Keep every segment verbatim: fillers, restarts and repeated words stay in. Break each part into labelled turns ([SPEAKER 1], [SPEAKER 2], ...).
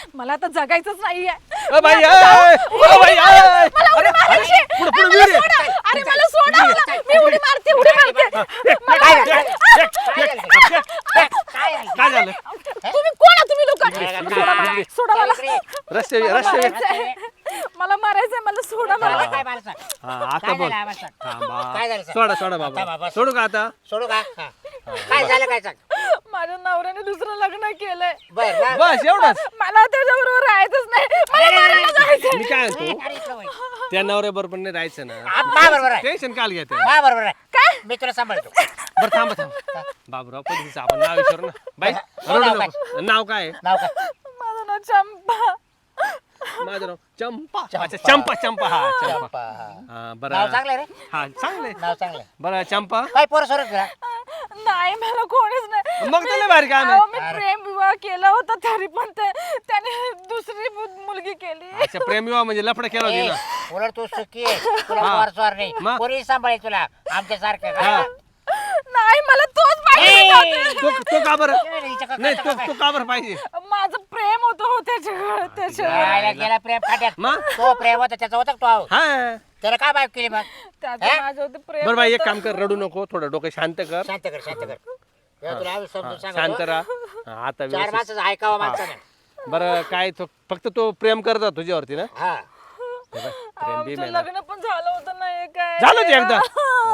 [SPEAKER 1] मला आता जगायचंच नाहीये.
[SPEAKER 2] O by A, O by ए.
[SPEAKER 1] मला उडी मारायची.
[SPEAKER 2] पुढं, पुढं
[SPEAKER 1] मला
[SPEAKER 2] विहीर आहे.
[SPEAKER 1] सोडा. अरे मला सोडा मला. मी उडी मारते उडी मारते.
[SPEAKER 3] काय झालं? काय झालं? काय झालं?
[SPEAKER 2] काय झालं
[SPEAKER 1] तुम्ही कोण आहे तुम्ही लोक?
[SPEAKER 3] काय?
[SPEAKER 1] सोडा मला. सोडा मला.
[SPEAKER 2] रस्ते
[SPEAKER 1] मला
[SPEAKER 2] रस्ते
[SPEAKER 1] मारायचंय. मला मारायचंय मला सोडा मला.
[SPEAKER 3] मला काय मला सांग.
[SPEAKER 2] हा आता
[SPEAKER 3] काय
[SPEAKER 2] बोल
[SPEAKER 3] झालं आवाज सांग.
[SPEAKER 2] थांबा.
[SPEAKER 3] काय झालं सांग.
[SPEAKER 2] सोडा सोडा
[SPEAKER 3] आता
[SPEAKER 2] बाबा
[SPEAKER 3] बाबा.
[SPEAKER 2] सोडू का आता
[SPEAKER 3] सोडू का हा. काय झालं काय सांग.
[SPEAKER 1] माझ्या नवऱ्याने दुसरं लग्न केलंय.
[SPEAKER 3] बर बर.
[SPEAKER 2] बस एवढंच
[SPEAKER 1] मला त्याच्याबरोबर राहायचंच नाही. मला
[SPEAKER 3] अरे, अरे,
[SPEAKER 1] मारायला जायचंय.
[SPEAKER 2] मी काय
[SPEAKER 3] अरे,
[SPEAKER 2] म्हणतो
[SPEAKER 3] अरे, इकडं वळ.
[SPEAKER 2] त्या नवऱ्या बरोबर नाही राहायचं ना
[SPEAKER 3] आ, मा बरोबर आहे.
[SPEAKER 2] टेन्शन काल घेते
[SPEAKER 3] मा बरोबर आहे.
[SPEAKER 1] काय?
[SPEAKER 3] मी तुला सांभाळतो.
[SPEAKER 2] बरं थांबा थांबा बाबूराव पद्धतीचं आपण नाव विचारू ना बाई
[SPEAKER 3] हो,
[SPEAKER 2] रडू
[SPEAKER 3] नाव
[SPEAKER 2] नको. नाव काय आहे?
[SPEAKER 3] नाव काय?
[SPEAKER 1] माझं नाव चंपा.
[SPEAKER 2] माझं नाव चंपा
[SPEAKER 3] चंपा.
[SPEAKER 2] अच्छा चंपा चंपा हा चंपा
[SPEAKER 3] चंपा, हा.
[SPEAKER 2] हा
[SPEAKER 3] नाव
[SPEAKER 2] बरं
[SPEAKER 3] चांगलं आहे रे.
[SPEAKER 2] हा चांगले
[SPEAKER 3] नाव चांगलं आहे.
[SPEAKER 2] बरं चंपा
[SPEAKER 3] काय पोरं सोरत तुला?
[SPEAKER 1] नाही मला कोणीच नाही.
[SPEAKER 2] मग त्याला बाहेर काय
[SPEAKER 1] अहो, मी
[SPEAKER 3] अरे.
[SPEAKER 1] प्रेम विवाह केला होता तरी पण ते त्याने दुसरी मु- मुलगी केली.
[SPEAKER 2] अच्छा प्रेम विवाह म्हणजे लफडं केलं होती
[SPEAKER 3] ए,
[SPEAKER 2] ना
[SPEAKER 3] उलट तू सुखी आहे. तुला
[SPEAKER 2] हा.
[SPEAKER 3] पोर स्वार नाही.
[SPEAKER 2] मग?
[SPEAKER 3] पोरी सांभाळे तुला आमच्या सारखं
[SPEAKER 2] हा.
[SPEAKER 1] नाही मला तोच पाहिजे होता.
[SPEAKER 2] तो तो का बरं नाही तो तो का बरं पाहिजे
[SPEAKER 1] माझं प्रेम होतं हो त्याच्याकडे त्याच्यावर.
[SPEAKER 3] गेला प्रेम खाट्यात.
[SPEAKER 2] मग
[SPEAKER 3] तो प्रेम होता त्याचा होता का तो आहो?
[SPEAKER 2] हा
[SPEAKER 3] त्याला काय बायको केली मग?
[SPEAKER 1] त्याचं
[SPEAKER 3] हे?
[SPEAKER 1] माझं होतं प्रेम
[SPEAKER 2] बरं बाई एक
[SPEAKER 1] होतं.
[SPEAKER 2] काम कर रडू नको थोडं डोकं शांत कर
[SPEAKER 3] शांत कर शांत कर. तेव्हा तुला आम्ही समजून
[SPEAKER 2] हा,
[SPEAKER 3] सांगतो.
[SPEAKER 2] शांत राहा हा, आता
[SPEAKER 3] चार
[SPEAKER 2] व्यवस्थित
[SPEAKER 3] माणसाचं ऐकावं माणसानं.
[SPEAKER 2] बरं काय तो फक्त तो प्रेम करत होता तुझ्यावरती ना
[SPEAKER 3] हा.
[SPEAKER 2] हे बाई, प्रेम बी
[SPEAKER 1] आमचं
[SPEAKER 2] मेला.
[SPEAKER 1] लग्न पण झालं होतं ना हे काय
[SPEAKER 2] झालं ते एकदा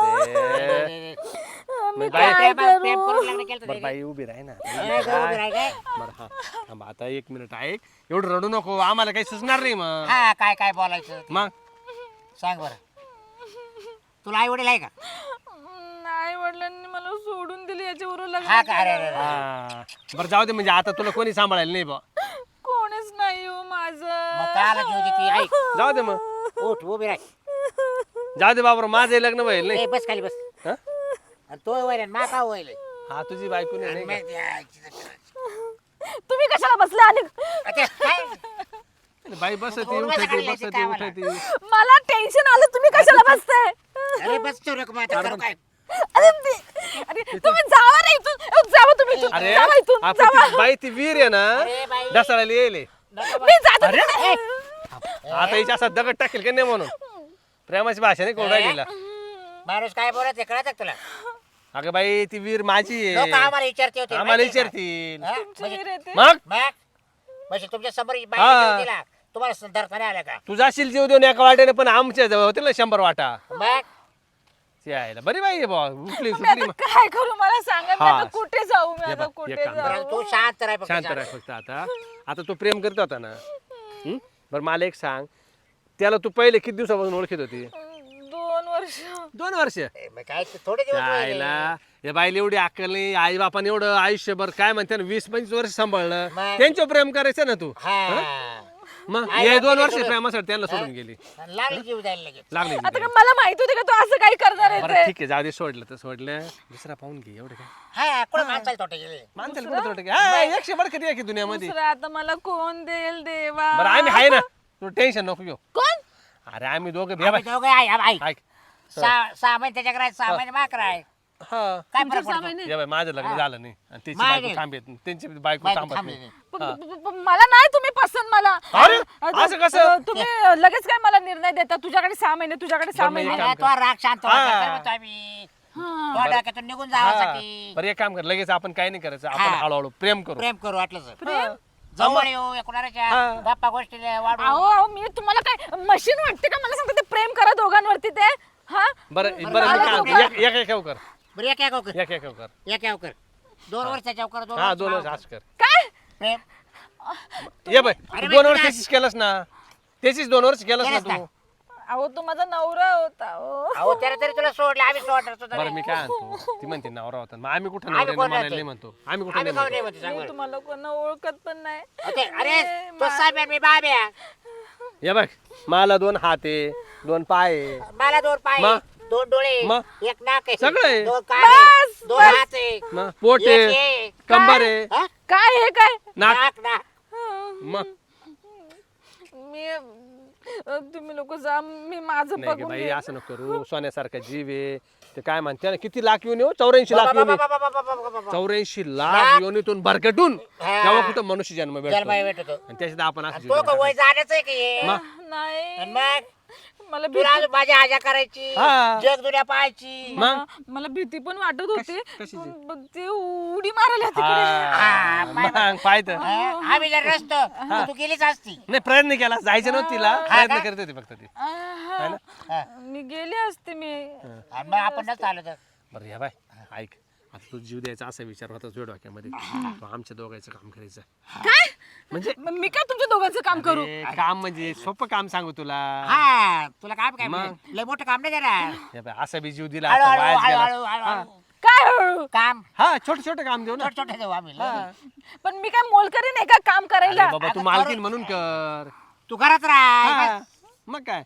[SPEAKER 2] अरे
[SPEAKER 1] मी
[SPEAKER 2] मग बाई-
[SPEAKER 1] काय
[SPEAKER 3] प्रेम प्रेम
[SPEAKER 1] करू?
[SPEAKER 3] करून लग्न केलं
[SPEAKER 2] बरं
[SPEAKER 3] होतं
[SPEAKER 2] बाई उभी राही ना
[SPEAKER 3] त्याने. काय उभी राही काय?
[SPEAKER 2] बरं हा थांबा आता एक मिनिट ऐक एवढं रडू नको आम्हाला काही सुचणार नाही मग
[SPEAKER 3] हा काय काय बोलायचं
[SPEAKER 2] मग
[SPEAKER 3] सांग बरं. तुला आई वडील आहे का?
[SPEAKER 1] नाही वडिलांनी मला सोडून दिली याच्यावरून
[SPEAKER 3] हा
[SPEAKER 1] लग्न
[SPEAKER 3] का? अरे अरे
[SPEAKER 1] केलं.
[SPEAKER 3] अरे.
[SPEAKER 2] हा बरं जाऊ दे म्हणजे आता तुला कोणी सांभाळायला नाही बा
[SPEAKER 1] कोणीच नाही हो
[SPEAKER 3] मग
[SPEAKER 1] माझं.
[SPEAKER 3] काला घेऊ दे ती ऐक.
[SPEAKER 2] जाऊ दे मग
[SPEAKER 3] उठ उभी राह.
[SPEAKER 2] जाऊ दे बाबा माझं लग्न व्हायला नाही
[SPEAKER 3] ए बस खाली बस.
[SPEAKER 2] हा?
[SPEAKER 3] आणि तो वैर मा का वैल.
[SPEAKER 2] हा तुझी बायको नाही नाही
[SPEAKER 1] तुम्ही कशाला बसले आणि
[SPEAKER 2] का? बाई बस ती उठायची बस ती उठायची
[SPEAKER 1] मला टेन्शन आलं तुम्ही कशाला बसताय.
[SPEAKER 3] अरे बस चोर आता करू काय?
[SPEAKER 1] अरे ते- अरे तुम्ही जावा रे इथून. अहो, जावा तुम्ही इथून.
[SPEAKER 2] अरे
[SPEAKER 1] जावा इथून
[SPEAKER 2] आपण
[SPEAKER 1] जावा.
[SPEAKER 2] ती बाई ती वीर आहे ना
[SPEAKER 3] अरे बाई.
[SPEAKER 2] दसाडायला येईल
[SPEAKER 1] मी जाते.
[SPEAKER 2] आता हिच्या असा दगड टाकेल का नाही म्हणून प्रेमाची भाषा नाही कोण राहिलेला
[SPEAKER 3] माणूस काय बोलत आहे कळत तुला?
[SPEAKER 2] अगं बाई ती वीर माझी
[SPEAKER 3] लोक
[SPEAKER 2] आहे
[SPEAKER 3] आम्हाला विचारते होते
[SPEAKER 2] आम्हाला
[SPEAKER 3] माहिती आहे का?
[SPEAKER 2] विचारतील
[SPEAKER 3] हा?
[SPEAKER 1] तुमची
[SPEAKER 3] म्हणजे-
[SPEAKER 1] वीर आहे ते.
[SPEAKER 2] मग
[SPEAKER 3] मग म्हणजे तुमच्या समोर
[SPEAKER 2] हा.
[SPEAKER 3] बाई दिला तुम्हाला दर्शना आल्या का?
[SPEAKER 2] तू जाशील जीव देऊन एका वाट्याने पण आमच्या जवळ होतील ना शंभर वाटा
[SPEAKER 3] मग
[SPEAKER 2] ती यायला बरी बाई आहे बा उठली
[SPEAKER 1] मी
[SPEAKER 2] सुटली
[SPEAKER 1] आता काय करू मला सांगा. मी
[SPEAKER 2] हा.
[SPEAKER 1] आता कुठे जाऊ मी
[SPEAKER 2] हे
[SPEAKER 1] आता
[SPEAKER 2] बघ,
[SPEAKER 1] कुठे
[SPEAKER 2] एक काम कर.
[SPEAKER 3] बरं,
[SPEAKER 1] जाऊ.
[SPEAKER 3] तू शांत राह फक्त
[SPEAKER 2] शांत
[SPEAKER 3] शांत.
[SPEAKER 2] राह फक्त आता आता तू प्रेम करत होता ना हं? बरं मला एक सांग त्याला तू पहिले किती दिवसापासून ओळखीत होती
[SPEAKER 1] दोन वर्ष.
[SPEAKER 2] दोन वर्ष
[SPEAKER 3] ए, मग काय ते थोडे दिवस राहिले.
[SPEAKER 2] आईला या बाईला एवढी अक्कल नाही आई बापाने एवढं आयुष्यभर काय म्हणते ना वीस पंचवीस वर्ष सांभाळलं
[SPEAKER 3] मग?
[SPEAKER 2] त्यांच्यावर प्रेम करायचं ना तू
[SPEAKER 3] हा
[SPEAKER 2] मग
[SPEAKER 3] आई
[SPEAKER 2] हे दोन
[SPEAKER 3] बापाने
[SPEAKER 2] वर्ष
[SPEAKER 3] सोडून-
[SPEAKER 2] प्रेमासाठी त्यांना सोडून गेली
[SPEAKER 3] लागली जीव जायला लगेच.
[SPEAKER 2] लागली
[SPEAKER 1] आता का मला माहित होते का तू असं काही करणार आहे
[SPEAKER 2] बरं
[SPEAKER 1] ते.
[SPEAKER 2] ठीक आहे जाऊ दे सोडलं तर सोडलं दुसरा पाहून घे एवढं काय
[SPEAKER 3] हा कोण माणसाला तोटे गेले.
[SPEAKER 2] माणसाला कुठं थोडं काय हा, एकशे बड किती आहे की दुनियामध्ये
[SPEAKER 1] दुसरं आता मला कोण देईल देवा.
[SPEAKER 2] बरं आम्ही आहे ना तू टेन्शन नको घेऊ
[SPEAKER 1] कोण?
[SPEAKER 2] अरे आम्ही दोघं
[SPEAKER 3] आम्ही
[SPEAKER 2] भेट
[SPEAKER 3] दोघं आहे, हा, बाई.
[SPEAKER 2] ऐक
[SPEAKER 3] सहा सहा महिने त्याच्याकडे आहे, सहा महिने माकडे आहे.
[SPEAKER 2] हा
[SPEAKER 3] काय
[SPEAKER 1] तुमच्या
[SPEAKER 3] फरक पडतो?
[SPEAKER 1] सामान्य-
[SPEAKER 2] या बाई माझं लग्न झालं नाही आणि त्याची
[SPEAKER 3] माझं-
[SPEAKER 2] बायको थांबेत नाही. त्यांची बायको
[SPEAKER 3] बायको
[SPEAKER 2] थांबत
[SPEAKER 3] थांबली
[SPEAKER 2] नाही
[SPEAKER 3] नाही.
[SPEAKER 1] प- प- प- मला नाही तुम्ही पसंत मला.
[SPEAKER 2] अरे,
[SPEAKER 1] अ-
[SPEAKER 2] असं कसं?
[SPEAKER 1] अ, तुम्ही लगेच काय मला निर्णय देता तुझ्याकडे सहा महिने तुझ्याकडे सहा
[SPEAKER 2] बरं, मी
[SPEAKER 1] महिने.
[SPEAKER 2] काम
[SPEAKER 3] अरे, तो राग शांत
[SPEAKER 2] हा.
[SPEAKER 3] व्हायचा काय म्हणतो आम्ही
[SPEAKER 1] हा.
[SPEAKER 3] तो डोक्यातून निघून
[SPEAKER 2] हा.
[SPEAKER 3] जावासाठी
[SPEAKER 2] बरं एक काम कर लगेच आपण काही नाही करायचं आपण
[SPEAKER 3] हा.
[SPEAKER 2] हळूहळू प्रेम करू
[SPEAKER 3] प्रेम करू वाटलं
[SPEAKER 1] प्रेम?
[SPEAKER 3] जवळ येऊ एकूणाच्या
[SPEAKER 2] हा.
[SPEAKER 3] गप्पा गोष्टीला वाढू
[SPEAKER 1] अहो अहो मी तुम्हाला काय मशीन वाटते का मला सांगते ते प्रेम करा दोघांवरती ते. हा
[SPEAKER 2] बरं
[SPEAKER 3] बरं,
[SPEAKER 2] बरं मी
[SPEAKER 1] मला
[SPEAKER 2] काय
[SPEAKER 1] दोघं-
[SPEAKER 2] म्हणतो, एक एक एक कर
[SPEAKER 3] बरं एक एक कर
[SPEAKER 2] एक एक कर
[SPEAKER 3] एक एक कर दोन वर्षाच्या कर दोन
[SPEAKER 2] हा
[SPEAKER 3] वर्ष
[SPEAKER 2] दोन वर्ष
[SPEAKER 3] भाव
[SPEAKER 2] असं कर
[SPEAKER 1] काय
[SPEAKER 3] प्रेम
[SPEAKER 2] ये बाय
[SPEAKER 3] अरे
[SPEAKER 2] दोन
[SPEAKER 3] बाई,
[SPEAKER 2] वर्ष
[SPEAKER 3] काय?
[SPEAKER 2] त्याचीच केलंस ना त्याचीच दोन वर्ष केलंस ना
[SPEAKER 3] केलंस
[SPEAKER 2] तू
[SPEAKER 1] अहो तो माझा नवरा होता हो.
[SPEAKER 3] अहो त्याला तरी तुला सोडलं आम्ही सोडणार सुद्धा
[SPEAKER 2] बरं
[SPEAKER 3] नाही.
[SPEAKER 2] मी काय म्हणतो ती म्हणते नवरा होता मग आम्ही कुठं
[SPEAKER 3] आम्ही
[SPEAKER 2] नवऱ्याने
[SPEAKER 3] कोण
[SPEAKER 2] म्हणायला
[SPEAKER 3] राहतो?
[SPEAKER 2] नाही म्हणतो आम्ही कुठं
[SPEAKER 3] आम्ही
[SPEAKER 2] नाही
[SPEAKER 3] खाऊ नाही
[SPEAKER 2] म्हणतो
[SPEAKER 3] म्हणते सांग
[SPEAKER 1] मी
[SPEAKER 3] बरं.
[SPEAKER 1] तुम्हाला कोणा ओळखत पण नाही.
[SPEAKER 3] ओके, अरे
[SPEAKER 1] ए,
[SPEAKER 3] तो
[SPEAKER 1] मा-
[SPEAKER 3] साहेब मी बाब्या
[SPEAKER 2] ये बघ मला दोन हात आहे दोन पाय आहे
[SPEAKER 3] मला दोन पाय
[SPEAKER 2] मग?
[SPEAKER 3] दोन डोळे
[SPEAKER 2] मग?
[SPEAKER 3] एक नाक आहे
[SPEAKER 2] सगळं आहे.
[SPEAKER 3] दोन कान आहे,
[SPEAKER 1] बस,
[SPEAKER 3] दोन
[SPEAKER 1] बस.
[SPEAKER 3] हात आहे
[SPEAKER 2] मग पोट
[SPEAKER 3] एक
[SPEAKER 2] आहे
[SPEAKER 3] हे.
[SPEAKER 2] कंबर आहे
[SPEAKER 3] हा?
[SPEAKER 1] काय हे काय
[SPEAKER 2] नाक
[SPEAKER 3] नाक नाक
[SPEAKER 2] मग
[SPEAKER 1] मी अ, तुम्ही लोक जा मी माझं
[SPEAKER 2] नाही ग
[SPEAKER 1] बघून
[SPEAKER 2] बाई
[SPEAKER 1] घेईन.
[SPEAKER 2] असं नको करू सोन्यासारखा जीव आहे ते काय म्हणते ना किती लाख येऊन येऊ चौऱ्याऐंशी लाख
[SPEAKER 4] बाबा,
[SPEAKER 2] येऊन
[SPEAKER 4] बाबा, बाबा, बाबा, बाबा, बाबा.
[SPEAKER 2] चौऱ्याऐंशी लाख योनीतून भरकटून
[SPEAKER 4] हा.
[SPEAKER 2] तेव्हा कुठं मनुष्य जन्म भेटतो
[SPEAKER 4] जन्माला भेटतो
[SPEAKER 2] आणि त्याच्यात आपण असं
[SPEAKER 4] तो का
[SPEAKER 2] जीवन
[SPEAKER 4] वय जाण्याचं आहे की हे?
[SPEAKER 1] नाही
[SPEAKER 4] आणि मग
[SPEAKER 1] मला
[SPEAKER 4] तुला
[SPEAKER 1] भीती
[SPEAKER 4] अजून माझी आजा करायची
[SPEAKER 2] हा.
[SPEAKER 4] जग दुनिया पाहायची
[SPEAKER 2] मग?
[SPEAKER 1] मला मला भीती पण वाटत होती
[SPEAKER 2] कशाची?
[SPEAKER 1] पण ते उडी मारायला तिकडे
[SPEAKER 2] हा, मग पाहत
[SPEAKER 4] हा, आम्ही जर नसतो तर तू गेलीच असती
[SPEAKER 2] नाही प्रयत्न केला जायचं नव्हतं तिला प्रयत्न करत होती फक्त ती
[SPEAKER 1] आहा.
[SPEAKER 4] हा.
[SPEAKER 1] मी गेले असते मी
[SPEAKER 4] आणि मग आपण नसतो आलो तर
[SPEAKER 2] बरं या बाय ऐक आता तू जीव द्यायचा असा विचार होता तुझ्या डोक्यामध्ये तू आमच्या दोघांचं काम करायचं
[SPEAKER 1] काय
[SPEAKER 2] म्हणजे
[SPEAKER 1] म- मी काय तुमच्या दोघांचं काम करू
[SPEAKER 2] अरे, काम म्हणजे सोपं काम सांगू तुला
[SPEAKER 4] हा तुला काय काय
[SPEAKER 2] मग?
[SPEAKER 4] म्हणजे लय मोठं काम नाही देणार
[SPEAKER 2] या बाय, असा बी जीव दिला
[SPEAKER 4] हळू
[SPEAKER 2] आता
[SPEAKER 4] हळू
[SPEAKER 2] वायाच
[SPEAKER 4] हळू
[SPEAKER 2] गेला.
[SPEAKER 4] हळू हळू
[SPEAKER 2] हा.
[SPEAKER 4] हळू.
[SPEAKER 1] काय हळू?
[SPEAKER 4] काम
[SPEAKER 2] हा छोटे छोटे काम देऊ ना
[SPEAKER 4] छोटे छोटे देऊ आम्ही लय.
[SPEAKER 1] पण मी काय मोलकरी नाही का काम करायला
[SPEAKER 2] अरे बाबा तू मालकीन म्हणून कर
[SPEAKER 4] तू घरात राह
[SPEAKER 2] हा. मग काय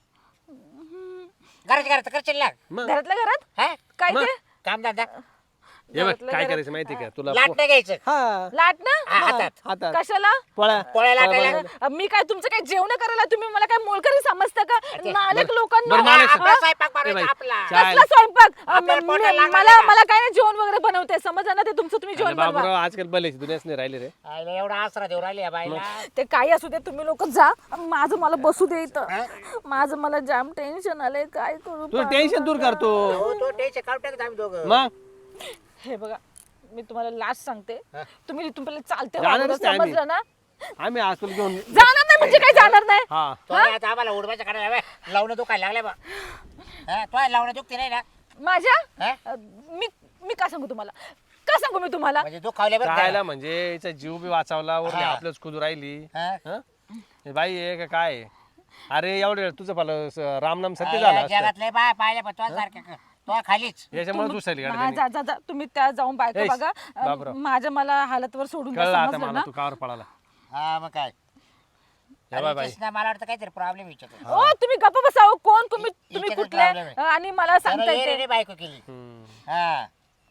[SPEAKER 4] घरात घरात करशील ना
[SPEAKER 2] मग
[SPEAKER 1] घरातल्या घरात
[SPEAKER 4] हा?
[SPEAKER 1] काय
[SPEAKER 2] मग?
[SPEAKER 1] ते
[SPEAKER 4] काम धंदा
[SPEAKER 2] हे बघ
[SPEAKER 1] घरातल्या
[SPEAKER 2] काय
[SPEAKER 1] घरात.
[SPEAKER 2] करायचं माहिती का तुला
[SPEAKER 4] लाट नाही घ्यायचं
[SPEAKER 2] हा
[SPEAKER 1] लाट ना
[SPEAKER 4] हा, हातात
[SPEAKER 2] हातात
[SPEAKER 1] कशाला
[SPEAKER 2] पोळ्या
[SPEAKER 4] पोळ्या लाटायला
[SPEAKER 1] अ, मी काय तुमचं काय जेवण करायला तुम्ही मला काय मोलकरी समजता का नालक
[SPEAKER 2] बरं,
[SPEAKER 1] लोकांना
[SPEAKER 2] नालायक
[SPEAKER 1] हा?
[SPEAKER 4] आपला स्वयंपाक
[SPEAKER 2] ए बाई,
[SPEAKER 4] बनवायचा आपला
[SPEAKER 2] चाल.
[SPEAKER 1] कसला स्वयंपाक अ,
[SPEAKER 4] आपल्याला
[SPEAKER 1] म-
[SPEAKER 4] पोटाला
[SPEAKER 1] मी-
[SPEAKER 4] लागणार
[SPEAKER 1] मला
[SPEAKER 4] नाही का?
[SPEAKER 1] मला काय नाही जेवण वगैरे बनवते समजा ना ते तुमचं तुम्ही
[SPEAKER 2] अरे
[SPEAKER 1] जेवण बनवा
[SPEAKER 2] बाबूराव आजकाल भलेची दुनियाच नाही राहिली रे
[SPEAKER 4] आईला एवढा आसरा देऊ राहिली या बाईला
[SPEAKER 1] ते काही असू दे तुम्ही लोक जा माझं मला बसू दे इथं माझं मला जाम टेन्शन आलंय काय करू
[SPEAKER 2] तुझं टेन्शन दूर करतो
[SPEAKER 4] हो तो टेन्शन काढून टाकत आम्ही दोघं
[SPEAKER 2] मग
[SPEAKER 1] हे बघा मी तुम्हाला लास्ट सांगते तुम्ही इथून पहिले चालते
[SPEAKER 2] जाणारच
[SPEAKER 1] वागणं,
[SPEAKER 2] नाही आम्ही.
[SPEAKER 1] समजलं ना
[SPEAKER 2] आम्ही आज तुला घेऊन
[SPEAKER 1] जाणार नाही म्हणजे काय जाणार नाही
[SPEAKER 2] हा
[SPEAKER 4] तो आता आम्हाला उडवायचं काढायला बाय लावणं दुखायला लागले बा हा, तो लावणं दुखते नाही ना
[SPEAKER 1] माझ्या
[SPEAKER 4] हा?
[SPEAKER 1] अ, मी मी का सांगू तुम्हाला का सांगू मी तुम्हाला
[SPEAKER 4] म्हणजे दुखावले बरं
[SPEAKER 2] राहायला
[SPEAKER 4] का?
[SPEAKER 2] म्हणजे याचा जीव बी वाचवला वरती
[SPEAKER 4] हा.
[SPEAKER 2] आपलंच खुद राहिली
[SPEAKER 4] हा?
[SPEAKER 2] हं? हे बाई आहे का काय आहे? अरे एवढे तुझं पालं स- रामनाम सत्य
[SPEAKER 4] आईला
[SPEAKER 2] झालं असतं.
[SPEAKER 4] जगातले बाय पाहिले पण तो सारख्या तो खालीच
[SPEAKER 2] याच्यामुळे दुसरी
[SPEAKER 1] हा, जा जा जा तुम्ही त्या जाऊन बायको
[SPEAKER 2] एश,
[SPEAKER 1] बघा अ,
[SPEAKER 2] बापराव.
[SPEAKER 1] माझ्या मला हालतवर सोडून द्या,
[SPEAKER 2] कळलं आता
[SPEAKER 1] समजलं
[SPEAKER 2] मला
[SPEAKER 1] ना
[SPEAKER 2] तू कावर पळाला
[SPEAKER 4] हा मग काय
[SPEAKER 2] या बाय बाई
[SPEAKER 4] कृष्णा मला वाटतं काहीतरी प्रॉब्लेम विचारतो
[SPEAKER 1] ओ तुम्ही गप्प बसाव कोण तुम्ही तुम्ही
[SPEAKER 4] हिच्यातच
[SPEAKER 1] कुठले
[SPEAKER 4] problem आहे.
[SPEAKER 1] अ, आणि मला सांगता येते
[SPEAKER 4] रे बायको केली
[SPEAKER 2] हम्म.
[SPEAKER 4] हा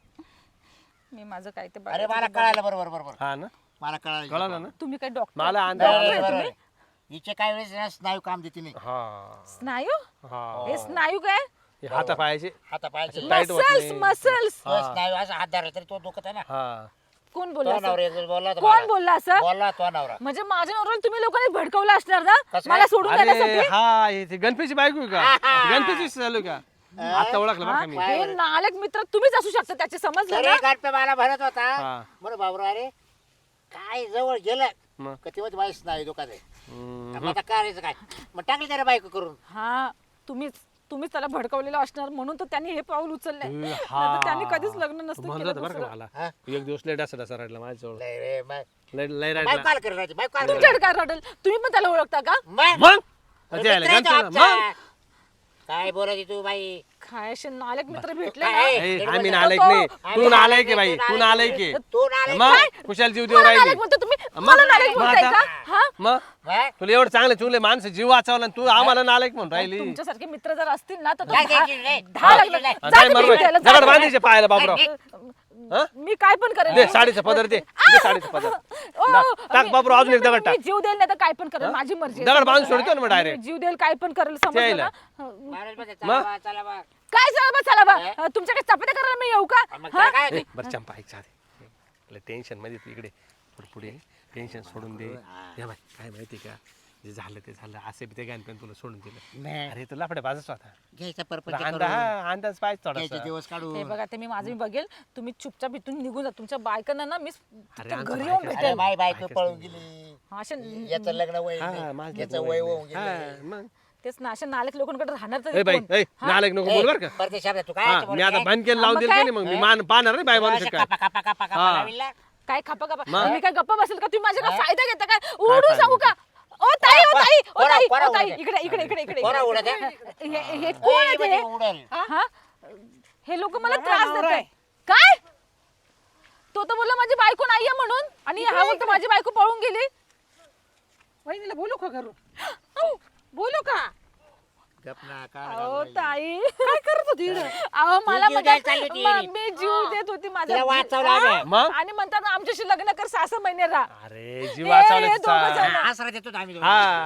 [SPEAKER 1] मी माझं काय ते
[SPEAKER 4] अरे
[SPEAKER 1] बघायचं
[SPEAKER 4] मला
[SPEAKER 1] ते
[SPEAKER 4] कळालं बरोबर बरोबर
[SPEAKER 2] हा ना
[SPEAKER 4] मला कळालं
[SPEAKER 2] कळालं ना
[SPEAKER 1] बघा. तुम्ही काय डॉक्टर
[SPEAKER 2] मला अंदाज
[SPEAKER 4] नाही,
[SPEAKER 2] आला.
[SPEAKER 4] नाही,
[SPEAKER 1] तुम्ही?
[SPEAKER 4] बरोबर आहे. हिचे काही वेळेस ना स्नायू काम देते नाही
[SPEAKER 2] हा
[SPEAKER 1] स्नायू
[SPEAKER 2] हा
[SPEAKER 1] हे स्नायू काय
[SPEAKER 2] हे हाता पायाचे
[SPEAKER 4] हाता पायाचे
[SPEAKER 2] टाईट होत
[SPEAKER 1] मसल्स
[SPEAKER 2] नाही.
[SPEAKER 1] मसल्स
[SPEAKER 4] तो स्नायू असा हात धरला तरी तो दुखत आहे ना
[SPEAKER 2] हा
[SPEAKER 1] कोण बोलला
[SPEAKER 4] तो
[SPEAKER 1] असं?
[SPEAKER 4] नवरा एक दिवस बोलला होता
[SPEAKER 1] कोण
[SPEAKER 4] मला.
[SPEAKER 1] बोलला असं
[SPEAKER 4] बोलला तो नवरा
[SPEAKER 1] म्हणजे माझ्या नवऱ्याला तुम्ही लोकांनी भडकवलं असणार ना
[SPEAKER 4] कसं
[SPEAKER 1] मला
[SPEAKER 4] काय?
[SPEAKER 1] सोडून
[SPEAKER 2] अरे
[SPEAKER 1] देण्यासाठी
[SPEAKER 2] हा हे ते गणपतीची बायको आहे का गणपतीची चालू का आता ओळखलं बरं का मी
[SPEAKER 1] हे नालक मित्र तुम्हीच असू शकता त्याचे समजलं
[SPEAKER 4] तरी
[SPEAKER 1] ना
[SPEAKER 4] गणपे मला भरत होता
[SPEAKER 2] हा.
[SPEAKER 4] बरं बाबरा अरे काय जवळ गेलं
[SPEAKER 2] मग
[SPEAKER 4] का तेव्हा बाईस नाही दुखत आहे
[SPEAKER 2] हम्म.
[SPEAKER 4] मग आता करायचं काय मग टाकली त्याला बायको करून
[SPEAKER 1] हा तुम्हीच तुम्हीच त्याला भडकवलेलं असणार म्हणून तर त्यांनी हे पाऊल उचललंय
[SPEAKER 2] हा.
[SPEAKER 1] नाहीतर त्यांनी कधीच लग्न
[SPEAKER 2] तू
[SPEAKER 1] नसतं
[SPEAKER 2] म्हणलं
[SPEAKER 1] केलं
[SPEAKER 2] होतं बरं का
[SPEAKER 1] दुसरं.
[SPEAKER 2] मला
[SPEAKER 4] हा?
[SPEAKER 2] एक दिवस लेट असं असं रडला माझ्याजवळ
[SPEAKER 4] लय रे बाय
[SPEAKER 2] लय लय
[SPEAKER 4] बायको
[SPEAKER 2] रडला
[SPEAKER 4] काल करत राहते बायको काल करत
[SPEAKER 1] तुमच्याकडे काय रडल तुम्ही पण त्याला ओळखता का
[SPEAKER 4] मग
[SPEAKER 2] मग
[SPEAKER 4] अरे
[SPEAKER 2] त्याला
[SPEAKER 4] मित्र आहे तो
[SPEAKER 2] गणपतीला-
[SPEAKER 4] आमचा.
[SPEAKER 2] मग
[SPEAKER 4] काय बोलायची तू बाई
[SPEAKER 1] काय असे नालक मित्र भेटले
[SPEAKER 4] काय?
[SPEAKER 1] ना
[SPEAKER 4] ए,
[SPEAKER 2] ए,
[SPEAKER 4] तो-
[SPEAKER 2] आम्ही
[SPEAKER 4] तो-
[SPEAKER 2] नालायक
[SPEAKER 1] तो-
[SPEAKER 2] नाही
[SPEAKER 4] आम्ही
[SPEAKER 2] तू नालायक आहे
[SPEAKER 4] नालायक
[SPEAKER 2] बाई
[SPEAKER 4] आहे,
[SPEAKER 2] तू
[SPEAKER 4] तू
[SPEAKER 2] नालायक आहे
[SPEAKER 4] तू नालायक
[SPEAKER 2] मग
[SPEAKER 4] काय?
[SPEAKER 2] कुशाल जीव देऊ
[SPEAKER 1] मला
[SPEAKER 2] राहिली
[SPEAKER 1] नालायक म्हणतो तुम्ही
[SPEAKER 2] मग-
[SPEAKER 1] मला नालायक
[SPEAKER 2] मग
[SPEAKER 1] म्हणताय
[SPEAKER 2] आता-
[SPEAKER 1] का हा
[SPEAKER 2] मग
[SPEAKER 4] हा?
[SPEAKER 2] तुला एवढं चांगले चुंगले माणसं जीव वाचवला आणि तू आम्हाला नालायक म्हणून राहिली
[SPEAKER 1] तुमच्यासारखे मित्र जर असतील ना तर तो
[SPEAKER 4] काय
[SPEAKER 1] दहा-
[SPEAKER 4] द्यायची रे?
[SPEAKER 1] दहा
[SPEAKER 4] काय
[SPEAKER 1] लग्न-
[SPEAKER 4] द्यायची?
[SPEAKER 1] जा
[SPEAKER 2] काय
[SPEAKER 1] तुम्ही
[SPEAKER 2] मरलोय
[SPEAKER 1] भेटायला, जा
[SPEAKER 2] दगड
[SPEAKER 1] तुम्ही.
[SPEAKER 2] बांधायचे पाहायला बाबराव हा?
[SPEAKER 1] मी काय पण करेल
[SPEAKER 2] दे साडीचा पदर दे दे साडीचा पदर
[SPEAKER 1] ओ,
[SPEAKER 2] टाक- टाक
[SPEAKER 1] मी-
[SPEAKER 2] बाबराव अजून एक दगड
[SPEAKER 1] मी
[SPEAKER 2] टाक
[SPEAKER 1] जीव देईल नाही तर काय पण करेल माझी मर्जी आहे.
[SPEAKER 2] दगड बांधून
[SPEAKER 1] समजलं
[SPEAKER 2] सोडतो ना मग
[SPEAKER 1] ना?
[SPEAKER 2] direct.
[SPEAKER 1] मी जीव देईल काय पण करेल समजलं
[SPEAKER 2] त्याला.
[SPEAKER 1] ना
[SPEAKER 4] महाराज म्हणते, चला बा, चला बा.
[SPEAKER 1] काय चला बा चला बा तुमच्याकडे चपात्या करायला मी येऊ का
[SPEAKER 4] मग
[SPEAKER 1] हा?
[SPEAKER 4] त्याला काय
[SPEAKER 2] ए, बरं चंपा ऐक साधे टेन्शन मध्ये तू इकडे पुढे पुढे टेन्शन सोडून दे या बाय काय माहिती का जे झालं ते झालं असे बी ते गाण पण तुला सोडून दिलं
[SPEAKER 4] नाही.
[SPEAKER 2] अरे तुला लाफडे बाजूच होता
[SPEAKER 4] घ्यायचा परपंच
[SPEAKER 2] अंदा
[SPEAKER 4] करून.
[SPEAKER 2] हा अंदाज पाहिजे
[SPEAKER 4] घ्यायचे
[SPEAKER 2] थोडासा
[SPEAKER 4] दिवस काढू
[SPEAKER 1] हे बघा ते मी माझं मी बघेल तुम्ही चुपचाप इथून निघून जा तुमच्या बायकांना ना मी
[SPEAKER 2] अरे,
[SPEAKER 1] तिथं
[SPEAKER 2] आमचं
[SPEAKER 1] घरी
[SPEAKER 2] बायका-
[SPEAKER 1] येऊन
[SPEAKER 4] अरे
[SPEAKER 1] भेटेल
[SPEAKER 4] माय बायको
[SPEAKER 2] बायकोच
[SPEAKER 4] पळून
[SPEAKER 2] नाही.
[SPEAKER 1] हा,
[SPEAKER 4] गेली
[SPEAKER 1] असे
[SPEAKER 4] याचं लग्न वय
[SPEAKER 2] हा,
[SPEAKER 4] नाही.
[SPEAKER 2] माझं
[SPEAKER 4] याचं
[SPEAKER 2] लग्न
[SPEAKER 4] वय
[SPEAKER 2] वय
[SPEAKER 4] होऊन
[SPEAKER 2] नाही.
[SPEAKER 4] गेलं
[SPEAKER 2] हा, मग
[SPEAKER 1] तेच ना अशा नालक लोकांकडे राहणार तर
[SPEAKER 2] ए बाई
[SPEAKER 1] कोण?
[SPEAKER 2] ए नालायक नको बोल बरं का
[SPEAKER 4] परदेश शब्द तू काय
[SPEAKER 2] हा
[SPEAKER 4] याचं
[SPEAKER 2] मी आता
[SPEAKER 4] बोलते?
[SPEAKER 2] बंद केलं लावून
[SPEAKER 1] मग
[SPEAKER 2] दिलं
[SPEAKER 1] काय?
[SPEAKER 2] नाही मग मी मान पाहणार नाही बाय माणूस
[SPEAKER 4] अशा
[SPEAKER 2] काय
[SPEAKER 4] कापा कापा कापा कापा
[SPEAKER 2] हा.
[SPEAKER 4] लाविला.
[SPEAKER 1] काय खापा खापा
[SPEAKER 2] मग?
[SPEAKER 1] मी काय गप्पा बसेल का तुम्ही माझ्या
[SPEAKER 4] हा?
[SPEAKER 1] फायदा घेता काय उडू
[SPEAKER 2] फायदा
[SPEAKER 1] सांगू का ओ ताई ओ
[SPEAKER 4] कोरा-
[SPEAKER 1] ताई ओ
[SPEAKER 4] कोरा-
[SPEAKER 1] ताई
[SPEAKER 4] कोरा
[SPEAKER 1] ओ ताई
[SPEAKER 4] उडत आहे.
[SPEAKER 1] इकडे इकडे इकडे इकडे
[SPEAKER 4] कोरा उडत
[SPEAKER 1] इकडे.
[SPEAKER 4] आहे.
[SPEAKER 1] हे हे कोण
[SPEAKER 4] ए,
[SPEAKER 1] आहे
[SPEAKER 4] म्हणजे
[SPEAKER 1] ते?
[SPEAKER 4] उडेल.
[SPEAKER 1] हा हे लोक मला त्रास देत आहे काय तो तर बोलला माझी बायको नाहीये म्हणून आणि हा बोलतो माझी बायको पळून गेली
[SPEAKER 5] वहिनीला बोलू का घरून बोलू का
[SPEAKER 4] गप ना, काढ
[SPEAKER 1] अहो
[SPEAKER 4] घालून
[SPEAKER 1] ताई
[SPEAKER 5] काय करत होती इकडं?
[SPEAKER 1] अहो मला
[SPEAKER 4] जीव
[SPEAKER 1] म्हणजे-
[SPEAKER 4] द्यायला चालली होती
[SPEAKER 1] म-
[SPEAKER 4] एरी.
[SPEAKER 1] मी जीव देत होती माझा
[SPEAKER 4] तिला
[SPEAKER 1] जीव-
[SPEAKER 4] वाचवलं
[SPEAKER 1] हा?
[SPEAKER 4] आम्ही.
[SPEAKER 2] मग?
[SPEAKER 1] आणि म्हणतात आमच्याशी लग्न कर सहा सहा महिने राहा
[SPEAKER 2] अरे जीव
[SPEAKER 1] ए,
[SPEAKER 2] वाचवला
[SPEAKER 1] हे
[SPEAKER 2] तिचा
[SPEAKER 1] दोघं जण.
[SPEAKER 4] हा, आसरा देतो आम्ही दोघं.
[SPEAKER 2] हा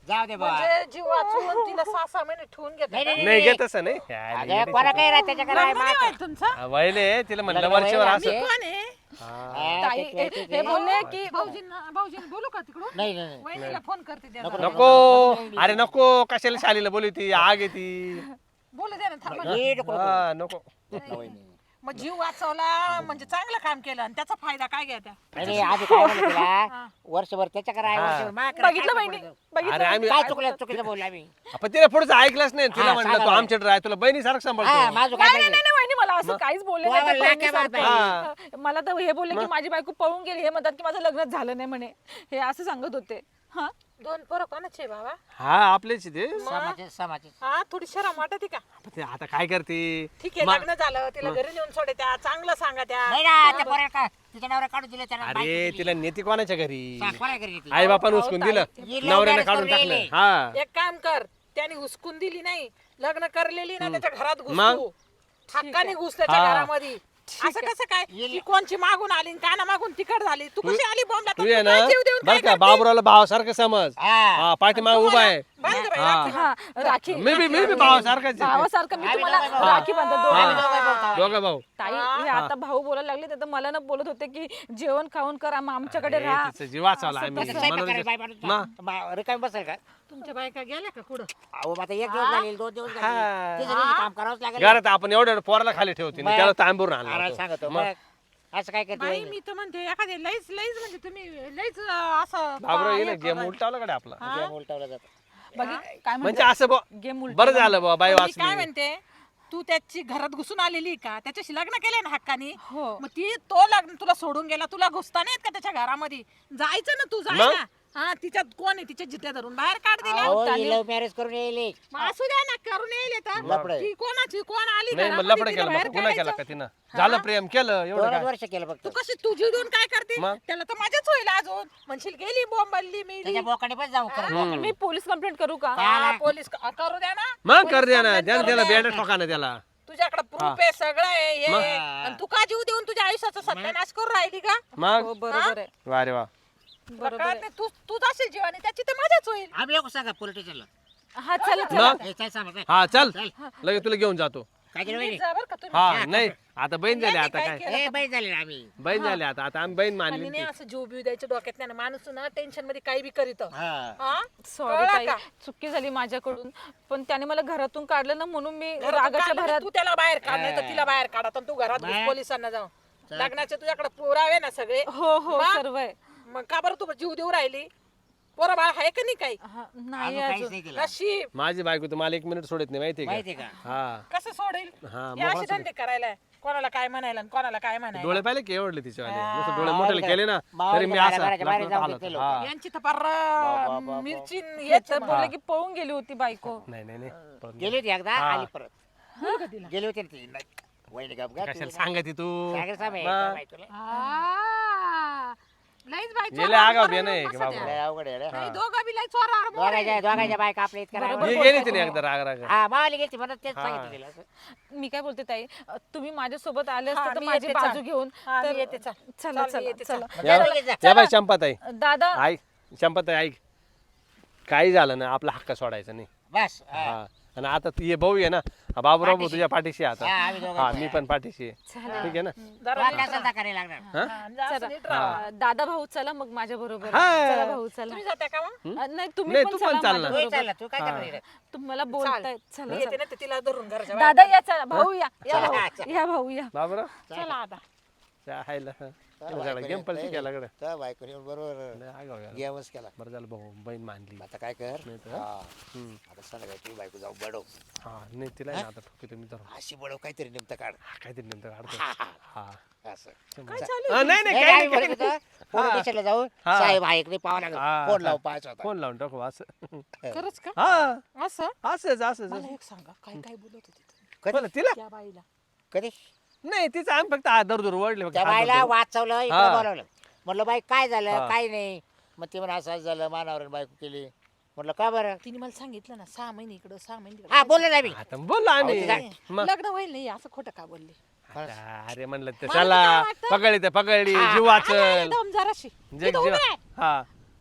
[SPEAKER 4] जाऊ दे बाबा
[SPEAKER 5] म्हणजे जीव वाचवून तिला सहा सहा महिने ठेवून घेत
[SPEAKER 4] नाही, नाही,
[SPEAKER 2] नाही घेत असं नाही
[SPEAKER 4] अगं कोणा काही राहत त्याच्याकडे आहे मात.
[SPEAKER 5] तुमचा
[SPEAKER 2] वहिले तिला म्हणलं
[SPEAKER 4] लग्न
[SPEAKER 2] वरच्यावर
[SPEAKER 4] वय
[SPEAKER 2] असं
[SPEAKER 4] आमचे.
[SPEAKER 5] कोण आहे
[SPEAKER 2] हा.
[SPEAKER 4] हा,
[SPEAKER 1] ताई
[SPEAKER 4] ते- ते-
[SPEAKER 1] हे
[SPEAKER 4] ते-
[SPEAKER 1] हे बोलले की
[SPEAKER 5] भाऊजींना भाऊजींना बोलू का तिकडून
[SPEAKER 4] नाही नाही नाही.
[SPEAKER 5] वहिनीला फोन करते द्या
[SPEAKER 4] नको,
[SPEAKER 5] जरा.
[SPEAKER 2] नको अरे नको कशाला शालीला बोलू ती आग येते
[SPEAKER 5] बोलू द्या ना थांबा ना.
[SPEAKER 4] ये नको, नको.
[SPEAKER 2] हा नको
[SPEAKER 4] नाही, नाही.
[SPEAKER 5] मग जीव वाचवला म्हणजे चांगलं काम केलं आणि त्याचा फायदा काय घ्या त्या
[SPEAKER 4] नाही, नाही, आधी काय म्हणलं तिला वर्षभर त्याच्याकडे आहे
[SPEAKER 2] हा.
[SPEAKER 4] वर्षभर माझ्याकडे
[SPEAKER 1] बघितलं
[SPEAKER 4] काय
[SPEAKER 1] बहिणी
[SPEAKER 4] बोलायचं?
[SPEAKER 2] अरे
[SPEAKER 1] बघितलं
[SPEAKER 2] आम्ही
[SPEAKER 4] काय चुकलं चुकीचं बोललो आम्ही
[SPEAKER 2] आपण तिला पुढचं ऐकलंच नाही तिला
[SPEAKER 4] हा,
[SPEAKER 2] म्हणलं
[SPEAKER 4] सांगा
[SPEAKER 2] तू
[SPEAKER 4] बरं.
[SPEAKER 2] आमच्याकडे राह तुला बहिणी सारखं
[SPEAKER 4] हा
[SPEAKER 2] सांभाळतो
[SPEAKER 4] माझं
[SPEAKER 1] नाही
[SPEAKER 4] काय
[SPEAKER 1] नाही नाही नाही, वहिनी मला असं काहीच बोलले
[SPEAKER 4] तू
[SPEAKER 1] नाही त्या
[SPEAKER 4] आम्हाला लाक्या
[SPEAKER 1] बहिणीसारखं.
[SPEAKER 2] बात
[SPEAKER 1] हा. मला तर हे बोलले की माझी बायको पळून गेली हे म्हणतात की माझं लग्नच झालं नाही म्हणे हे असं सांगत होते हा
[SPEAKER 5] दोन पोरं कोणाचे बाबा
[SPEAKER 2] हा आपलेच ते
[SPEAKER 4] समाज समाज
[SPEAKER 5] हा थोडी शरम वाटते का
[SPEAKER 2] पण ते आता काय करते
[SPEAKER 5] ठीक आहे
[SPEAKER 2] मा-
[SPEAKER 5] लग्न झालं तिला घरी नेऊन सोडे त्या चांगलं सांगा त्या
[SPEAKER 4] नाही ना त्या पोराला का तिच्या नवऱ्या काढून दिले त्याला
[SPEAKER 2] अरे तिला नेते कोणाच्या घरी
[SPEAKER 4] कोणा घरी ती?
[SPEAKER 2] आई बापानं उचकून दिलं
[SPEAKER 4] ही love
[SPEAKER 2] नवऱ्याने
[SPEAKER 4] marriage
[SPEAKER 2] काढून
[SPEAKER 4] करून
[SPEAKER 2] टाकलं
[SPEAKER 4] येईल.
[SPEAKER 2] हा
[SPEAKER 5] एक काम कर त्याने हुसकून दिली नाही लग्न करलेली ना त्याच्या घरात
[SPEAKER 2] मग?
[SPEAKER 5] घुसतो हक्काने घुस त्याच्या
[SPEAKER 2] हा.
[SPEAKER 5] घरामध्ये असं कसं काय
[SPEAKER 4] येईल.
[SPEAKER 5] ती कोणची मागून आली काना मागून तिकड झाली तू कशी आली बॉम्बला
[SPEAKER 2] तू ये ना बर का बाबुरावला भावासारखं समज
[SPEAKER 4] हा.
[SPEAKER 2] हा पाठीमाग उभा आहे
[SPEAKER 5] बांध गं बाई,
[SPEAKER 2] हा.
[SPEAKER 5] राखी.
[SPEAKER 1] हा राखी
[SPEAKER 2] मी बी मी बी भावासारखाच आहे.
[SPEAKER 1] भावासारखं मी
[SPEAKER 4] आम्ही
[SPEAKER 1] तुम्हाला
[SPEAKER 4] दोघं भाऊ.
[SPEAKER 1] राखी बांधत
[SPEAKER 2] हा.
[SPEAKER 1] दोघं
[SPEAKER 4] आम्ही दोघं भाऊ.
[SPEAKER 2] दोघं भाऊ
[SPEAKER 1] ताई हे आता भाऊ बोलायला लागले तर मला ना बोलत होते की जेवण खाऊन करा मग आमच्याकडे
[SPEAKER 2] अरे,
[SPEAKER 1] राहा
[SPEAKER 2] तिचं जीव वाचवला आम्ही
[SPEAKER 4] तसं स्वयंपाक करायला बाई
[SPEAKER 2] मनोरंजन
[SPEAKER 4] माणूस
[SPEAKER 2] मा-
[SPEAKER 4] मा- रिकामी बसेल का
[SPEAKER 5] तुमच्या बायका गेल्या का कुठं
[SPEAKER 4] अहो आता एक दिवस झाले दोन दिवस
[SPEAKER 2] हा.
[SPEAKER 4] झाले तिसऱ्या दिवशी काम करावंच लागेल
[SPEAKER 2] घरात आपण एवढं एवढं पोराला खाली ठेवते
[SPEAKER 4] मग-
[SPEAKER 2] त्याला तांबूर आणला
[SPEAKER 4] आराम
[SPEAKER 2] होता.
[SPEAKER 4] सांगतो
[SPEAKER 2] मग
[SPEAKER 4] मग असं काय करते
[SPEAKER 5] बाई
[SPEAKER 4] वहिनी?
[SPEAKER 5] मी तर म्हणते एखादे लईच लईच म्हणजे तुम्ही लईच अं, असं
[SPEAKER 2] बाबुराव
[SPEAKER 5] हे
[SPEAKER 2] येईल गेम
[SPEAKER 5] करा.
[SPEAKER 2] उलटावला कडे आपला
[SPEAKER 4] गेम उलटवला जातो
[SPEAKER 1] बघी काय
[SPEAKER 2] म्हणजे असं बुवा,
[SPEAKER 1] गेम उलट
[SPEAKER 2] बरं झालं बाबा बाई
[SPEAKER 5] पण मी काय
[SPEAKER 2] वाचली
[SPEAKER 5] म्हणते तू त्याची घरात घुसून आलेली का त्याच्याशी लग्न केलंय ना हक्कानी
[SPEAKER 1] हो.
[SPEAKER 5] मग ती तो लग्न तुला सोडून गेला तुला घुसता नाही येत का त्याच्या घरामध्ये जायचं ना तू जाय
[SPEAKER 2] मग?
[SPEAKER 5] ना हा तिच्यात कोण आहे तिच्या जिद्या धरून बाहेर काढ दिल्या
[SPEAKER 4] अहो लव्ह मॅरेज करून येईल
[SPEAKER 5] मग असू द्या ना करून येईल तर
[SPEAKER 4] लफडं.
[SPEAKER 5] ती कोणाची कोण आली
[SPEAKER 2] नाही मग
[SPEAKER 5] घरामध्ये,
[SPEAKER 2] लपड
[SPEAKER 5] तिला
[SPEAKER 2] केलं
[SPEAKER 5] बाहेर
[SPEAKER 2] मग पुन्हा केला
[SPEAKER 5] काढायचं.
[SPEAKER 2] का तिनं झालं प्रेम केलं एवढं
[SPEAKER 4] दोनच
[SPEAKER 2] काय
[SPEAKER 4] वर्ष केलं फक्त
[SPEAKER 5] तू कशी तुझी देऊन काय करते
[SPEAKER 2] मग?
[SPEAKER 5] त्याला तर मजाच होईल अजून म्हणशील गेली बोंबलली मी
[SPEAKER 4] त्याच्या बोकाने पण जाऊ करत
[SPEAKER 1] मी पोलीस कंप्लेंट करू का
[SPEAKER 5] हा, पोलीस क- करू द्या ना
[SPEAKER 2] मग
[SPEAKER 5] पोलीस
[SPEAKER 2] कर द्या ना
[SPEAKER 5] complaint
[SPEAKER 2] द्या ना
[SPEAKER 5] करू
[SPEAKER 2] त्याला
[SPEAKER 5] द्या.
[SPEAKER 2] बेड ठोका ना त्याला
[SPEAKER 5] तुझ्याकडे प्रूफ आहे सगळं आहे हे
[SPEAKER 2] मग?
[SPEAKER 5] आहे. आणि तू का जीव देऊन तुझ्या आयुष्याचा सत्यानाश करून राहिली का
[SPEAKER 2] मग
[SPEAKER 1] हो बरोबर आहे
[SPEAKER 2] वा रे वा
[SPEAKER 5] तुला कळत नाही, तू तू जाशील जीवाने त्याची तर मजाच होईल
[SPEAKER 4] आम्ही येऊ सांगा पोलीस स्टेशनला
[SPEAKER 1] हा चला चला
[SPEAKER 2] मग
[SPEAKER 4] हे काय सांगा काय
[SPEAKER 2] हा चल
[SPEAKER 4] चल.
[SPEAKER 2] लगेच तुला घेऊन जातो
[SPEAKER 4] काय केलं वहिनी?
[SPEAKER 5] जा बरं का तुम्ही
[SPEAKER 2] हा नाही आता बहीण झाली आता
[SPEAKER 5] काय
[SPEAKER 2] काय
[SPEAKER 5] केलं?
[SPEAKER 4] ए बाई झाले ना आम्ही
[SPEAKER 2] बहीण झाली आता आता आम्ही बहीण
[SPEAKER 5] आणि
[SPEAKER 2] मानली
[SPEAKER 5] नाही
[SPEAKER 2] ती.
[SPEAKER 5] असं जीव बिव द्यायच्या डोक्यात नाही ना. माणूस ना टेन्शन मध्ये काही बी करीत
[SPEAKER 4] हा
[SPEAKER 1] सॉरी
[SPEAKER 5] कळलं
[SPEAKER 1] ताई
[SPEAKER 5] का?
[SPEAKER 1] चुकी झाली माझ्याकडून पण त्याने मला घरातून काढलं ना म्हणून मी
[SPEAKER 5] घरातून
[SPEAKER 1] रागाच्या
[SPEAKER 5] काढलं
[SPEAKER 1] भरात
[SPEAKER 5] तर तू त्याला बाहेर काढ नाही तर तिला बाहेर काढा तर तू घरात घुस
[SPEAKER 4] बाहेर.
[SPEAKER 5] पोलिसांना जाऊ लग्नाचे तुझ्याकडे पुरावे ना सगळे
[SPEAKER 1] हो हो
[SPEAKER 5] मग?
[SPEAKER 1] सर्व आहे
[SPEAKER 5] मग का बरं तू जीव देऊ राहिली पोरं बाळ आहे का नाही काही
[SPEAKER 1] हा, नाही
[SPEAKER 4] अजून काहीच
[SPEAKER 1] अजून
[SPEAKER 4] नाही केलं
[SPEAKER 5] नशीब
[SPEAKER 2] माझी बायको तर मला एक मिनिट सोडत नाही माहिती
[SPEAKER 4] माहिती
[SPEAKER 2] का
[SPEAKER 4] का
[SPEAKER 2] हा
[SPEAKER 5] कसं सोडेल
[SPEAKER 2] हा
[SPEAKER 5] हे
[SPEAKER 2] मग
[SPEAKER 5] असे
[SPEAKER 2] वाचलं.
[SPEAKER 5] धंदे करायला कोणाला काय म्हणायला आणि कोणाला काय म्हणायला
[SPEAKER 2] डोळे पाहिले की एवढले तिचे वाले
[SPEAKER 5] हा.
[SPEAKER 2] नुसतं डोळे मोठे केले ना
[SPEAKER 4] मावळी
[SPEAKER 2] तरी मी
[SPEAKER 4] घराच्या
[SPEAKER 2] असं
[SPEAKER 4] बाहेर
[SPEAKER 2] लाकडं
[SPEAKER 4] जाऊन
[SPEAKER 2] हालत.
[SPEAKER 4] घेतलेलं
[SPEAKER 2] हा.
[SPEAKER 5] यांची तर फार
[SPEAKER 4] बा, बा.
[SPEAKER 5] मिरची
[SPEAKER 1] हे
[SPEAKER 5] येत
[SPEAKER 1] तर बोलले की पळून गेली होती बायको
[SPEAKER 2] नाही नाही नाही पळून
[SPEAKER 4] गेली होती एकदा
[SPEAKER 2] हा.
[SPEAKER 4] आली परत गेली होती ना ती नाही. वहिनी गप
[SPEAKER 2] गेली. कशाला सांगायची तू
[SPEAKER 4] सांगेल साहेब,
[SPEAKER 2] मग?
[SPEAKER 4] काय माहिती तुला?
[SPEAKER 5] आ, लईच बाई
[SPEAKER 2] गेले
[SPEAKER 5] चोरावर
[SPEAKER 2] आगाऊ
[SPEAKER 5] करून
[SPEAKER 2] बे नाही
[SPEAKER 5] बसत
[SPEAKER 2] का
[SPEAKER 5] आहे.
[SPEAKER 2] बाबा
[SPEAKER 4] लय अवघड आहे रे.
[SPEAKER 5] नाही, दोघं बी लई चोरावर मोड आहे.
[SPEAKER 4] दोघांच्या दोघांच्या बायका आपल्या इतक्या रागावल्या.
[SPEAKER 2] ही गेली तिने एकदा राग राग
[SPEAKER 4] हा मावाली गेली म्हणून तेच
[SPEAKER 2] हा.
[SPEAKER 4] सांगितलं तिला असं.
[SPEAKER 1] मी काय बोलते ताई अ, तुम्ही माझ्यासोबत आले
[SPEAKER 5] हा,
[SPEAKER 1] असते तर
[SPEAKER 5] मी
[SPEAKER 1] माझी
[SPEAKER 5] येते,
[SPEAKER 1] बाजू
[SPEAKER 5] चाल.
[SPEAKER 1] घेऊन
[SPEAKER 5] हा, मी
[SPEAKER 1] तर
[SPEAKER 5] येते, चाल.
[SPEAKER 1] चला
[SPEAKER 5] चाल, मी
[SPEAKER 1] चला
[SPEAKER 5] येते,
[SPEAKER 1] चला
[SPEAKER 2] या
[SPEAKER 4] चला, लगेच जा.
[SPEAKER 2] या बाई चंपाताई
[SPEAKER 1] दादा
[SPEAKER 2] ऐक चंपाताई ऐक काही झालं ना आपला हक्क सोडायचा नाही
[SPEAKER 4] बस हा.
[SPEAKER 2] हा आणि आता तू ये भाऊ आहे ना हा, बाबूराव भाऊ तुझ्या पाठीशी आहे
[SPEAKER 4] हा,
[SPEAKER 2] आता
[SPEAKER 4] आम्ही दोघं
[SPEAKER 2] हा मी पण पाठीशी आहे
[SPEAKER 1] चला.
[SPEAKER 2] ठीक आहे ना
[SPEAKER 5] जरा
[SPEAKER 4] तुला
[SPEAKER 5] नीट
[SPEAKER 4] कशाला करायला लागणार
[SPEAKER 2] हा?
[SPEAKER 5] राहा. जा, असं नीट राहा.
[SPEAKER 1] अ, दादा भाऊ चला मग माझ्या बरोबर
[SPEAKER 2] हा.
[SPEAKER 1] चला भाऊ चला
[SPEAKER 5] तुम्ही जाता का मग
[SPEAKER 1] अ, नाही तुम्ही
[SPEAKER 2] नाही,
[SPEAKER 1] पण
[SPEAKER 2] तू पण
[SPEAKER 1] चला
[SPEAKER 2] चाल ना.
[SPEAKER 4] तू
[SPEAKER 1] माझ्याबरोबर.
[SPEAKER 4] चालला तू काय करणार इकडे?
[SPEAKER 1] तुम्हाला बोलताय
[SPEAKER 5] मी
[SPEAKER 1] चला
[SPEAKER 5] येते
[SPEAKER 1] चला.
[SPEAKER 5] ना तर तिला धरून घराच्या बाहेर.
[SPEAKER 1] दादा या चला भाऊ या या
[SPEAKER 4] चला,
[SPEAKER 1] भाऊ
[SPEAKER 4] चला.
[SPEAKER 1] या भाऊ या
[SPEAKER 2] बाबूराव
[SPEAKER 5] चला आता
[SPEAKER 2] हायला गेम पलटी केला कडे
[SPEAKER 4] तर बायकोनी बरोबर
[SPEAKER 2] लय आगाऊ आहे.
[SPEAKER 4] गेमच केला
[SPEAKER 2] बरं झालं भाऊ बहीण मानली
[SPEAKER 4] आता काय कर
[SPEAKER 2] नाही तर?
[SPEAKER 4] हा.
[SPEAKER 2] हम्म.
[SPEAKER 4] आता संध्याकाळी तू बायको जाऊ बडव
[SPEAKER 2] हा नाही तिला आहे ना आता ठोकी तुम्ही धरून
[SPEAKER 4] अशी बडव काहीतरी नेमतं काढ
[SPEAKER 2] हा काहीतरी नंतर काढतो
[SPEAKER 4] हा, हा.
[SPEAKER 2] हा
[SPEAKER 4] असं
[SPEAKER 5] काय चालू
[SPEAKER 2] हा, नाही नाही
[SPEAKER 4] नाही,
[SPEAKER 2] काही
[SPEAKER 4] आम्ही
[SPEAKER 2] नाही,
[SPEAKER 4] बोलत
[SPEAKER 2] काही
[SPEAKER 4] होतो, पोलीस स्टेशनला जाऊ
[SPEAKER 2] हा.
[SPEAKER 4] साहेब आहे इकडे पाहावं
[SPEAKER 2] हा,
[SPEAKER 4] लागेल फोन
[SPEAKER 2] हा.
[SPEAKER 4] लावून पाहायचा होता
[SPEAKER 2] फोन लावून टाकू असं
[SPEAKER 5] खरंच का
[SPEAKER 2] हा
[SPEAKER 5] असं
[SPEAKER 2] असंच असंच
[SPEAKER 5] मला एक सांगा काय काय बोलत होती तुम्ही?
[SPEAKER 4] कधी
[SPEAKER 2] बोला, तिला
[SPEAKER 5] त्या बाईला
[SPEAKER 4] कधी
[SPEAKER 2] नाही तिचं आम्ही फक्त हात धरू धरू ओढले फक्त
[SPEAKER 4] त्या
[SPEAKER 2] हात
[SPEAKER 4] बाईला
[SPEAKER 2] धरू धरू.
[SPEAKER 4] वाचवलं इकडे
[SPEAKER 2] हा.
[SPEAKER 4] बोलावलं म्हटलं बाई काय झालं
[SPEAKER 2] हा.
[SPEAKER 4] काय नाही मग ते म्हणा असं असं झालं मानावर बायको केली म्हटलं का बरं
[SPEAKER 5] तिने मला सांगितलं ना सहा महिने इकडं सहा महिने
[SPEAKER 4] हा
[SPEAKER 5] तिकडं.
[SPEAKER 4] बोललो ना मी
[SPEAKER 2] आता बोललो आम्ही
[SPEAKER 4] अहो,
[SPEAKER 2] मग
[SPEAKER 5] लग्न होईल नाही असं खोटं का बोलले
[SPEAKER 2] आता, अरे म्हणलं तर
[SPEAKER 5] मला
[SPEAKER 2] चला
[SPEAKER 5] काय वाटतं?
[SPEAKER 2] पकडली तर पकडली
[SPEAKER 4] हा.
[SPEAKER 2] जीव वाचल
[SPEAKER 5] दम जराशी
[SPEAKER 2] जे
[SPEAKER 5] इथं
[SPEAKER 2] जीव
[SPEAKER 5] उभी राह.
[SPEAKER 2] हा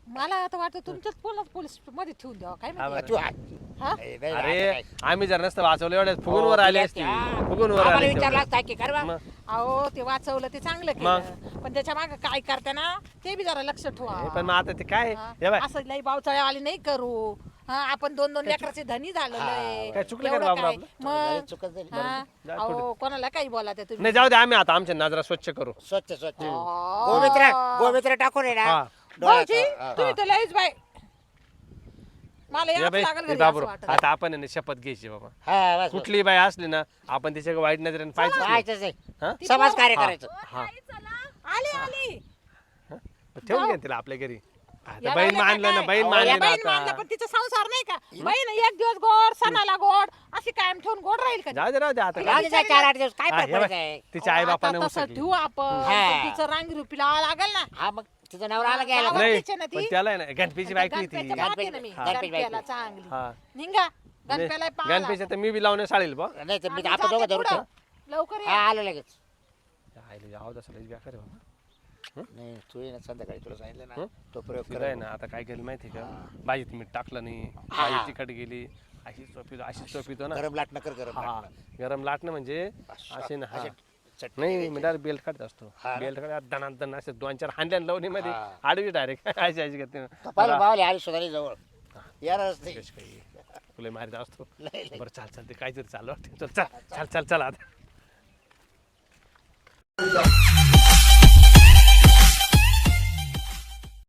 [SPEAKER 5] मला आता वाटतं तुमच्याच पोलीस पोलीस मध्ये ठेवून द्यावा काय
[SPEAKER 2] हा
[SPEAKER 5] माहिती?
[SPEAKER 4] तू आ-
[SPEAKER 5] हा?
[SPEAKER 4] ए, नाही,
[SPEAKER 2] अरे
[SPEAKER 4] आता काय?
[SPEAKER 2] आम्ही जर नसतं वाचवलं एवढ्या फुगून
[SPEAKER 4] हो,
[SPEAKER 2] वर आले
[SPEAKER 4] गेले
[SPEAKER 2] असते
[SPEAKER 4] असते, हा.
[SPEAKER 2] फुगून वर
[SPEAKER 4] आम्हाला
[SPEAKER 2] आले
[SPEAKER 4] विचारलं
[SPEAKER 2] तेवढं.
[SPEAKER 4] असतं की कर बा.
[SPEAKER 2] मग
[SPEAKER 5] अहो ते वाचवलं ते चांगलं केलं पण त्याच्या मागे काय करते ना ते बी जरा लक्ष ठेवा
[SPEAKER 2] हे पण मग आता ते काय
[SPEAKER 5] हा.
[SPEAKER 2] हे बाय
[SPEAKER 5] असं लई पावसाळ्यावाली नाही करू हा आपण दोन दोन लेकराचे धनी झालेलो आहे.
[SPEAKER 2] काय चुकलं का
[SPEAKER 5] एवढं
[SPEAKER 2] बाबा
[SPEAKER 5] काय?
[SPEAKER 2] आपलं?
[SPEAKER 4] झालं,
[SPEAKER 5] मग
[SPEAKER 4] चुकत झाली,
[SPEAKER 5] हा?
[SPEAKER 2] जा
[SPEAKER 5] अहो कोणाला काही बोला त्या तुम्ही
[SPEAKER 2] नाही जाऊ दे आम्ही आता आमच्या नजरा स्वच्छ करू
[SPEAKER 4] स्वच्छ स्वच्छ
[SPEAKER 5] आ.
[SPEAKER 4] गोमित्र गोमित्र टाकून आहे ना
[SPEAKER 2] हा.
[SPEAKER 4] डोळ्यात.
[SPEAKER 5] भाऊजी
[SPEAKER 4] हा.
[SPEAKER 5] तुम्ही तर लईच बाय मला
[SPEAKER 2] ये
[SPEAKER 5] याच
[SPEAKER 2] बाई
[SPEAKER 5] लागल
[SPEAKER 2] ए
[SPEAKER 5] घरी
[SPEAKER 2] बाबू
[SPEAKER 5] असं वाटत.
[SPEAKER 2] आता आपण आहे ना शपथ घ्यायची बाबा
[SPEAKER 4] हा बस, बस.
[SPEAKER 2] कुठली बाई असली ना आपण तिच्या वाईट नजरेने पाहिजे
[SPEAKER 4] पाहायचंच आहे.
[SPEAKER 2] हा?
[SPEAKER 4] समाज कार्य
[SPEAKER 2] हा.
[SPEAKER 4] करायचं
[SPEAKER 2] हा
[SPEAKER 5] आली आली
[SPEAKER 2] ठेवून घ्या तिला आपल्या घरी आता
[SPEAKER 5] या
[SPEAKER 2] बहीण
[SPEAKER 5] बाईला
[SPEAKER 2] मानलं ना
[SPEAKER 5] काय?
[SPEAKER 2] बहीण
[SPEAKER 4] अहो,
[SPEAKER 2] मानली
[SPEAKER 5] या
[SPEAKER 2] ना
[SPEAKER 5] बहीण मानलं
[SPEAKER 2] आता
[SPEAKER 5] पण तिचा संसार नाही का बहीण एक दिवस गोड सणाला गोड अशी कायम ठेवून गोड राहील का
[SPEAKER 2] जाऊ दे राहू दे आता
[SPEAKER 4] राहू दे जा, चार आठ दिवस काय
[SPEAKER 2] हा,
[SPEAKER 4] फरक
[SPEAKER 2] हे
[SPEAKER 4] पडत
[SPEAKER 2] बाई,
[SPEAKER 4] आहे
[SPEAKER 2] तिच्या आई बापाने
[SPEAKER 5] आता तसं
[SPEAKER 2] उसकली
[SPEAKER 5] ठेवू आपण
[SPEAKER 4] हा.
[SPEAKER 5] पण तिचं रांगी रुपी लावा लागेल ना
[SPEAKER 4] हा मग तिचा नवरा आला घ्यायला
[SPEAKER 5] गावात
[SPEAKER 2] नाही
[SPEAKER 5] तिच्या ना ती.
[SPEAKER 2] पण त्याला आहे ना गणपतीची बायको आहे ती
[SPEAKER 5] गणपतीच्या मागे ना मी
[SPEAKER 4] हा.
[SPEAKER 5] गणपतीला चांगली
[SPEAKER 2] हा
[SPEAKER 5] निघा गणपतीला पाहा
[SPEAKER 2] गणपतीच्या तर मी बी लावणे साळेल बा
[SPEAKER 4] नाही तर मी
[SPEAKER 5] आम्ही
[SPEAKER 4] आपण दोघं
[SPEAKER 5] जाते
[SPEAKER 4] धरू
[SPEAKER 5] पुढं.
[SPEAKER 4] ठेवू.
[SPEAKER 5] लवकर
[SPEAKER 4] हा
[SPEAKER 5] या
[SPEAKER 4] आलो लगेच
[SPEAKER 2] आईला जाऊ दे लईच बेकार आहे बाबा
[SPEAKER 4] नाही तू ये ना संध्याकाळी तुला सांगितलं ना
[SPEAKER 2] हं?
[SPEAKER 4] तो प्रयोग
[SPEAKER 2] तिला
[SPEAKER 4] कर
[SPEAKER 2] आहे ना आता काय केलं माहिती आहे का भाजीत मीठ टाकलं नाही
[SPEAKER 4] हा.
[SPEAKER 2] भाजी तिखट गेली अशी चोपितो अशी चोपितो ना
[SPEAKER 4] गरम लाट नकर गरम
[SPEAKER 2] हा
[SPEAKER 4] लाटणं.
[SPEAKER 2] गरम लाटणं म्हणजे असे ना हा
[SPEAKER 4] असे चटणी
[SPEAKER 2] नाही
[SPEAKER 4] घ्यायची.
[SPEAKER 2] मी डायरेक्ट बेल्ट काढत असतो
[SPEAKER 4] हा ना?
[SPEAKER 2] बेल्ट काढत दणा दण असे दोन चार हांड्या लावणी मध्ये
[SPEAKER 4] हा.
[SPEAKER 2] आडवी डायरेक्ट अशी अशी करते
[SPEAKER 4] तो पाहिलं बावले आली सुधारी जवळ यारच नाही
[SPEAKER 2] कशी काही तुला मारित असतो
[SPEAKER 4] लय- लय.
[SPEAKER 2] बरं चाल चाल ते काहीतरी चालू वाटतं चल चल चल चल चल आता